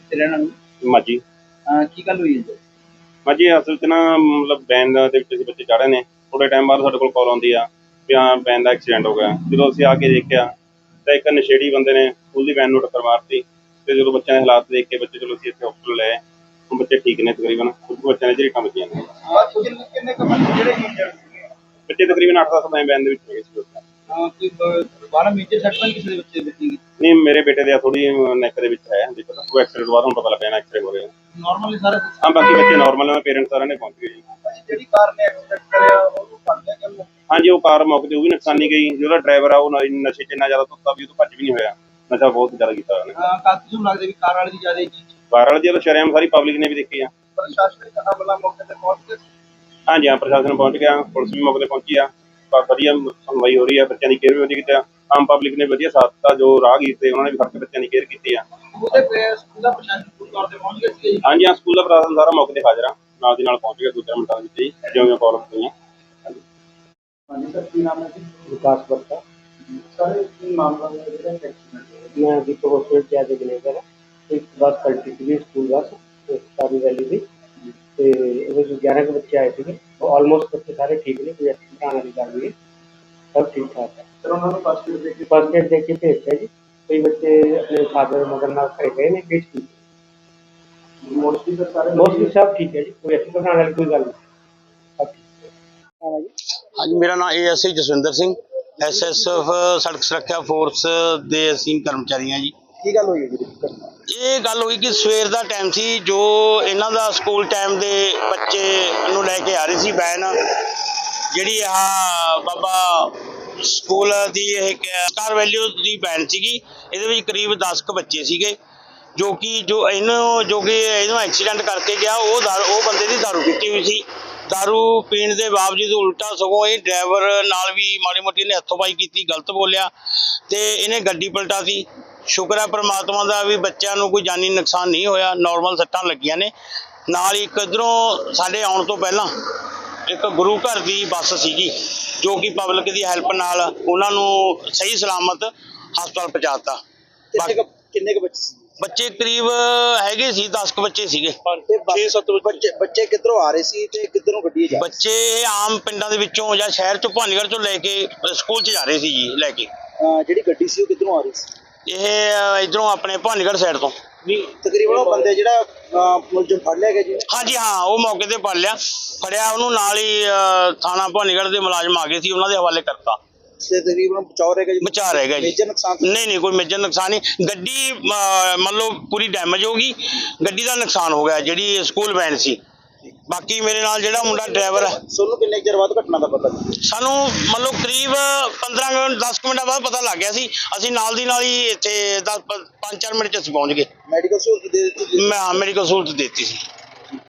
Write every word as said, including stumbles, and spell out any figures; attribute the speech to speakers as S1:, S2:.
S1: ਕਿੱਥੇ ਰਹਿਣ ਵਾਲੇ?
S2: ਮਾਜੀ।
S1: ਅਹ ਕੀ ਗੱਲ ਹੋਈ ਹੈ ਜੀ?
S2: ਮਾਜੀ ਅਸਲ 'ਚ ਨਾ ਮਤਲਬ ਵੈਨ ਦੇ ਵਿੱਚ ਅਸੀਂ ਬੱਚੇ ਚੜ੍ਹ ਰਹੇ ਨੇ, ਥੋੜ੍ਹੇ ਟਾਈਮ ਬਾਅਦ ਸਾਡੇ ਕੋਲ ਕਾਲ ਆਉਂਦੀ ਆ ਵੀ ਹਾਂ ਵੈਨ ਦਾ ਐਕਸੀਡੈਂਟ ਹੋ ਗਿਆ। ਜਦੋਂ ਅਸੀਂ ਆ ਕੇ ਦੇਖਿਆ ਤਾਂ ਇੱਕ ਨਸ਼ੇੜੀ ਬੰਦੇ ਨੇ ਸਕੂਲ ਦੀ ਵੈਨ ਨੂੰ ਟੱਕਰ ਮਾਰਤੀ ਤੇ ਜਦੋਂ ਬੱਚਿਆਂ ਦੇ ਹਾਲਾਤ ਦੇਖ ਕੇ ਬੱਚੇ ਚਲੋ ਅਸੀਂ ਇੱਥੇ ਹਸਪਤਾਲ ਲਏ। ਹੁਣ ਬੱਚੇ ਠੀਕ ਨੇ ਤਕਰੀਬਨ, ਕੁਝ ਬੱਚਿਆਂ ਦੇ ਝਰੀਟਾਂ ਵੱਜੀਆਂ ਨੇ।
S1: ਕਿੰਨੇ ਕੁ ਬੰਦੇ ਜਿਹੜੇ ਇੰਜਰਡ ਸੀਗੇ?
S2: ਬੱਚੇ ਤਕਰੀਬਨ ਅੱਠ ਦਸ ਵੈਨ ਦੇ ਵਿੱਚ ਹੈਗੇ ਸੀ।
S1: ਹਾਂ ਕੋਈ ਬਾਹਰ ਮੇਜਰ ਸੱਟ ਤਾਂ ਕਿਸੇ ਦੇ ਬੱਚੇ ਦੇ ਵੱਜੀ?
S2: ਨਹੀਂ, ਮੇਰੇ ਬੇਟੇ ਦੇ ਥੋੜੀ ਨੈਕ ਦੇ ਵਿੱਚ ਹੈ ਦਿੱਕਤ। ਉਹ ਐਕਸੀਡੈਂਟ ਤੋਂ ਬਾਅਦ ਹੁਣ ਪਤਾ ਲੱਗਿਆ ਨਾ ਐਕਸਰੇ ਹੋ ਰਹੇ ਆ।
S1: ਨਾਰਮਲੀ ਸਾਰੇ?
S2: ਹਾਂ, ਬਾਕੀ ਬੱਚੇ ਨਾਰਮਲ ਨੇ, ਪੇਰੈਂਟਸ ਸਾਰਿਆਂ ਨੇ ਪਹੁੰਚ ਗਏ ਜੀ।
S1: ਜਿਹੜੀ ਕਾਰ ਨੇ ਐਕਸੀਡੈਂਟ ਕਰਿਆ ਉਹਨੂੰ ਫੜ ਲਿਆ ਕਿ?
S2: ਹਾਂਜੀ, ਉਹ ਕਾਰ ਮੌਕੇ ਤੇ ਉਹ ਵੀ ਨੁਕਸਾਨੀ ਗਈ। ਜਿਹੜਾ ਡਰਾਈਵਰ ਆ ਉਹ ਨਸ਼ੇ 'ਚ ਇੰਨਾ ਜ਼ਿਆਦਾ ਧੁੱਤਾ ਵੀ ਉਹ ਤੋਂ ਭੱਜ ਵੀ ਨਹੀਂ ਹੋਇਆ। ਨਸ਼ਾ ਬਹੁਤ ਜ਼ਿਆਦਾ ਕੀਤਾ ਉਹਨੇ।
S1: ਹਾਂ, ਕਾਫੀ ਨੂੰ ਲੱਗਦਾ ਵੀ ਕਾਰ ਵਾਲੇ ਦੀ ਜ਼ਿਆਦਾ ਜੀ।
S2: ਕਾਰ ਵਾਲੇ ਦੀ ਸ਼ਰੇਆਮ ਸਾਰੀ ਪਬਲਿਕ ਨੇ ਵੀ ਦੇਖੀ ਆ।
S1: ਪ੍ਰਸ਼ਾਸਨਿਕ ਅਮਲਾ ਮੌਕੇ ਤੇ ਪਹੁੰਚ ਕੇ?
S2: ਹਾਂਜੀ ਹਾਂ, ਪ੍ਰਸ਼ਾਸਨ ਪਹੁੰਚ ਗਿਆ, ਪੁਲਿਸ ਵੀ ਮੌਕੇ ਤੇ ਪਹੁੰਚੀ ਆ। ਵਧੀਆ ਸੁਣਵਾਈ ਹੋ ਰਹੀ ਆ, ਬੱਚਿਆਂ ਦੀ ਕੇਅਰ ਵੀ ਵਧੀਆ ਕੀਤੀ ਆ। ਆਮ ਪਬਲਿਕ ਨੇ ਵਧੀਆ ਸਾਥ ਦਿੱਤਾ, ਜੋ ਰਾਹਗੀਰ ਤੇ ਉਹਨਾਂ ਨੇ ਵੀ ਫੜ ਕੇ ਬੱਚਿਆਂ ਦੀ ਕੇਅਰ ਕੀਤੀ ਆ।
S1: ਉਹਦੇ ਸਕੂਲ ਦਾ ਪ੍ਰਸ਼ਾਸਨ ਪੂਰੀ ਤੌਰ ਤੇ ਪਹੁੰਚ ਗਿਆ ਸੀ?
S2: ਹਾਂਜੀ ਹਾਂ, ਸਕੂਲ ਦਾ ਪ੍ਰਸ਼ਾਸਨ ਸਾਰਾ ਮੌਕੇ ਤੇ ਹਾਜ਼ਰ ਆ, ਨਾਲ ਦੀ ਨਾਲ ਪਹੁੰਚ ਗਿਆ ਦੋ ਚਾਰ ਮਿੰਟਾਂ ਵਿੱਚ ਹੀ, ਜਿਉਂ ਕਾਲ ਹੋਈਆਂ।
S1: ਹਾਂਜੀ ਸਰ, ਕੀ ਨਾਮ ਹੈ ਜੀ?
S3: विकास बत्ता।
S1: ਸਰ ਕੀ ਮਾਮਲਾ ਹੈ ਜਿਹੜਾ ਐਕਸੀਡੈਂਟ?
S3: मैं अभी तो हॉस्पिटल से आके मैनेजर है। एक बस पलटी थी, स्कूल बस सारी वैली थी। तो ग्यारह के बच्चे आए थे, ऑलमोस्ट बच्चे सारे ठीक ने, कोई एक्सीडेंट आने वाली बात नहीं है, सब ठीक ठाक है।
S1: सर उन्होंने फर्स्ट एड देके
S3: फर्स्ट एड देख के भेजते जी। कई बच्चे अपने फादर मदर नाल खड़े गए ने, केस की
S1: मोस्टली सर सारे
S3: मोस्टली सब ठीक है जी, कोई एक्सीडेंट आने वाली कोई गल नहीं, सब ठीक है।
S4: हाँ जी, मेरा नाम A S I Jaswinder Singh, S S F सड़क सुरक्षा फोर्स ਦੇ ਅਸੀਂ ਕਰਮਚਾਰੀ ਹਾਂ ਜੀ।
S1: ਕੀ ਗੱਲ ਹੋਈ ਹੈ ਜੀ?
S4: ਇਹ ਗੱਲ ਹੋਈ ਕਿ ਸਵੇਰ ਦਾ ਟਾਈਮ ਸੀ, ਜੋ ਇਹਨਾਂ ਦਾ ਸਕੂਲ ਟਾਈਮ ਦੇ ਬੱਚੇ ਨੂੰ ਲੈ ਕੇ ਆ ਰਹੀ ਸੀ ਵੈਨ, ਜਿਹੜੀ ਆ ਬਾਬਾ ਸਕੂਲ ਦੀ ਇਹ ਸਟਾਰ ਵੈਲਿਊ ਦੀ ਵੈਨ ਸੀਗੀ। ਇਹਦੇ ਵਿੱਚ ਕਰੀਬ ਦਸ ਕੁ ਬੱਚੇ ਸੀਗੇ, ਜੋ ਕਿ ਜੋ ਇਹਨੂੰ ਜੋ ਕਿ ਇਹਨੂੰ ਐਕਸੀਡੈਂਟ ਕਰਕੇ ਗਿਆ ਉਹ ਦਾਰੂ ਉਹ ਬੰਦੇ ਦੀ ਦਾਰੂ ਪੀਤੀ ਹੋਈ ਸੀ। दारू पीण के बावजूद उल्टा सगों ये ड्राइवर नाल भी माड़ी मोटी ने हथोपाई की, गलत बोलिया तो इन्हें गड्डी पलटाती। शुक्र है परमात्मा का भी बच्चों को कोई जानी नुकसान नहीं होया, नॉर्मल सट्टां लगियां ने। नाल ही इधरों साडे आउण तो पहला एक गुरु घर की बस सीगी, जो कि पब्लिक की हैल्प नाल उन्हां नूं सही सलामत हस्पताल पहुंचाता।
S1: किन्ने के बच्चे?
S4: बच्चे करीब हैगे सी दस क बच्चे सीगे।
S1: छे सत्त बच्चे बच्चे किधरों आ रहे सी ते किधरों गड्डी जा?
S4: बच्चे आम पिंडां दे विचों जां शहर चों भानीगढ़ चों लैके स्कूल च जा रहे सी जी लैके।
S1: ਜਿਹੜੀ ਗੱਡੀ ਸੀ ਉਹ ਕਿਧਰੋਂ ਆ ਰਹੀ ਸੀ?
S4: ਇਹ ਇਧਰੋਂ ਆਪਣੇ ਭਾਨੀਗढ़ ਸਾਈਡ ਤੋਂ।
S1: ਨਹੀਂ ਤਕਰੀਬਨ ਉਹ ਬੰਦੇ ਜਿਹੜਾ ਮੁਲਜ਼ਮ ਫੜ ਲਿਆ ਗਿਆ ਜੀ?
S4: ਹਾਂਜੀ ਹਾਂ, ਉਹ ਮੌਕੇ ਤੇ ਫੜ ਲਿਆ, ਫੜਿਆ ਉਹਨੂੰ ਨਾਲ ਹੀ ਥਾਣਾ ਭਾਨੀਗढ़ ਦੇ ਮੁਲਾਜ਼ਮ ਆ ਗਏ ਸੀ, ਉਹਨਾਂ ਦੇ ਹਵਾਲੇ ਕਰਤਾ।
S1: ਤੇ ਤਕਰੀਬਨ ਬਚਾਅ ਰਹਿ ਗਿਆ ਜੀ?
S4: ਬਚਾਅ ਰਹਿ ਗਿਆ ਜੀ।
S1: ਮੇਜਰ ਨੁਕਸਾਨ
S4: ਨਹੀਂ ਨਹੀਂ, ਕੋਈ ਮੇਜਰ ਨੁਕਸਾਨ ਨਹੀਂ। ਗੱਡੀ ਮੰਨ ਲਓ ਪੂਰੀ ਡੈਮੇਜ ਹੋ ਗਈ, ਗੱਡੀ ਦਾ ਨੁਕਸਾਨ ਹੋ ਗਿਆ ਜਿਹੜੀ ਸਕੂਲ ਵੈਨ ਸੀ। ਬਾਕੀ ਮੇਰੇ ਨਾਲ ਜਿਹੜਾ ਮੁੰਡਾ ਡਰਾਈਵਰ ਹੈ,
S1: ਸੋਨੂੰ ਕਿੰਨੇ ਚਿਰ ਬਾਅਦ ਘਟਨਾ ਦਾ ਪਤਾ?
S4: ਸਾਨੂੰ ਮੰਨ ਲਓ ਕਰੀਬ ਪੰਦਰਾਂ ਮਿੰਟ ਦਸ ਮਿੰਟਾਂ ਬਾਅਦ ਪਤਾ ਲੱਗ ਗਿਆ ਸੀ। ਅਸੀਂ ਨਾਲ ਦੀ ਨਾਲ ਹੀ ਇੱਥੇ ਦਸ ਪੰਜ ਚਾਰ ਮਿੰਟ 'ਚ ਅਸੀਂ ਪਹੁੰਚ ਗਏ।
S1: ਮੈਡੀਕਲ ਸਹੂਲਤ ਦੇ ਦਿੱਤੀ?
S4: ਮੈਂ ਮੈਡੀਕਲ ਸਹੂਲਤ ਦੇ ਦਿੱਤੀ ਸੀ।